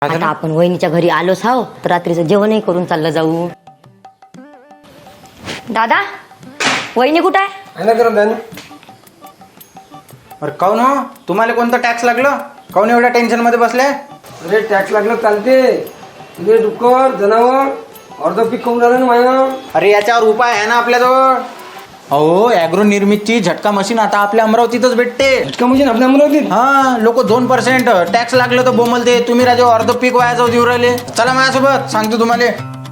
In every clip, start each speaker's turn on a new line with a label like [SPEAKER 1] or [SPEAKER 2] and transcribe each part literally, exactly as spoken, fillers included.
[SPEAKER 1] आता आपण वहिनीच्या घरी आलोच हाव तर रात्रीचं जेवणही करून चाललं जाऊ. दादा वहिनी कुठं आहे?
[SPEAKER 2] अरे काऊन हो तुम्हाला कोणतं टॅक्स लागलं? काऊन एवढ्या टेन्शन मध्ये बसले?
[SPEAKER 3] अरे टॅक्स लागलं चालते. तुझे डुक्कर जनावर अर्ध पीक खाऊन झालं ना माया.
[SPEAKER 2] अरे याच्यावर उपाय आहे ना आपल्याजवळ. अहो ॲग्रो निर्मितची झटका मशीन आता आपल्या अमरावतीतच भेटते.
[SPEAKER 3] झटका मशीन आपल्या अमरावतीत?
[SPEAKER 2] हा लोक दोन पर्सेंट टॅक्स लागलं तर बोमलते. तुम्ही राजा अर्ध पीक वाया जाऊ देऊ राहिले. चला माझ्यासोबत सांगतो तुम्हाला.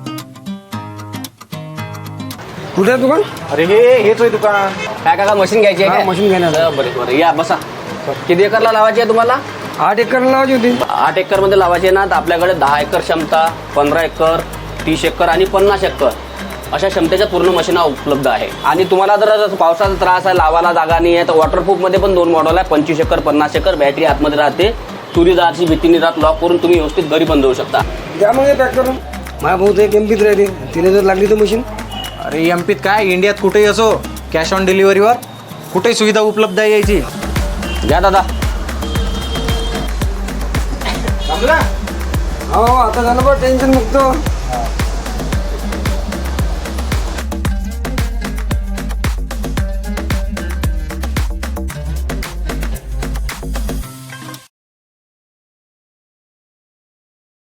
[SPEAKER 3] कुठे आहे दुकान?
[SPEAKER 2] अरे हे हेच आहे दुकान.
[SPEAKER 4] काय काका मशीन घ्यायची आहे
[SPEAKER 3] हा,
[SPEAKER 4] काय?
[SPEAKER 3] मशीन घेणार.
[SPEAKER 4] बरं बरं बरं या बसा. किती एकरला लावायची आहे तुम्हाला?
[SPEAKER 3] आठ एकर लावायची होती.
[SPEAKER 4] आठ एकर मध्ये लावायची आहे ना तर आपल्याकडे दहा एकर क्षमता, पंधरा एकर, तीस एकर आणि पन्नास एकर अशा क्षमतेच्या पूर्ण मशीना उपलब्ध आहे. आणि तुम्हाला जर पावसाचा त्रास आहे, लावायला जागा नाही आहे तर वॉटरप्रूफ मध्ये पण दोन मॉडेल आहे. पंचवीस एकर, पन्नास एकर. बॅटरी आतमध्ये राहते. तुरी जायची भीती नाही राहत. लॉक करून तुम्ही व्यवस्थित घरी पण जाऊ शकता.
[SPEAKER 3] द्या मग पॅक करून. माझ्या भाऊ तर एक एमपीत राहते. तिने जर लागली तर मशीन.
[SPEAKER 2] अरे एमपीत काय इंडियात कुठेही असो कॅश ऑन डिलिव्हरीवर कुठेही सुविधा उपलब्ध आहे यायची.
[SPEAKER 4] घ्या दादा.
[SPEAKER 2] समजा
[SPEAKER 3] हो आता झालं बरं टेन्शन मुक्त.